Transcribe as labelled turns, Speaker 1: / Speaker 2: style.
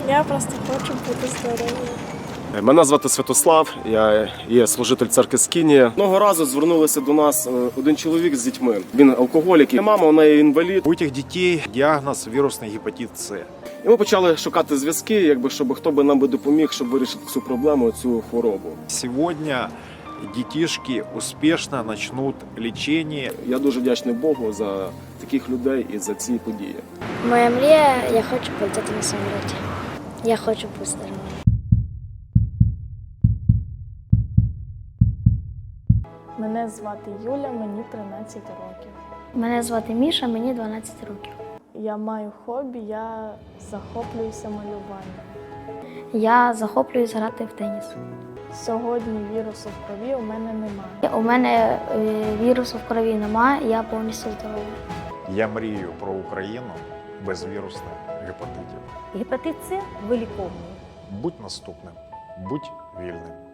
Speaker 1: Я просто хочу бути здоровою.
Speaker 2: Мене звати Святослав, я є служитель церкви Скинія. Одного разу звернулися до нас один чоловік з дітьми. Він алкоголік, і мама, вона є інвалід.
Speaker 3: У этих детей диагноз вирусный гепатит С.
Speaker 2: І ми почали шукати зв'язки, щоб хто би нам би допоміг, щоб вирішити цю проблему, цю хворобу.
Speaker 3: Сегодня детишки успешно начнут лечение.
Speaker 2: Я дуже вдячний Богу за таких людей і за ці події.
Speaker 4: Моя мрія, я хочу полетіти на самоліті. Я хочу бути здоровою.
Speaker 1: Мене звати Юля, мені 13 років.
Speaker 4: Мене звати Міша, мені 12 років.
Speaker 1: Я маю хобі, я захоплююся малюванням.
Speaker 4: Я захоплююсь грати в теніс.
Speaker 1: Сьогодні вірусу в крові у мене немає.
Speaker 4: У мене вірусу в крові немає, я повністю здорова.
Speaker 3: Я мрію про Україну без вірусних гепатитів.
Speaker 5: Гепатит С виліковний.
Speaker 3: Будь наступним, будь вільним.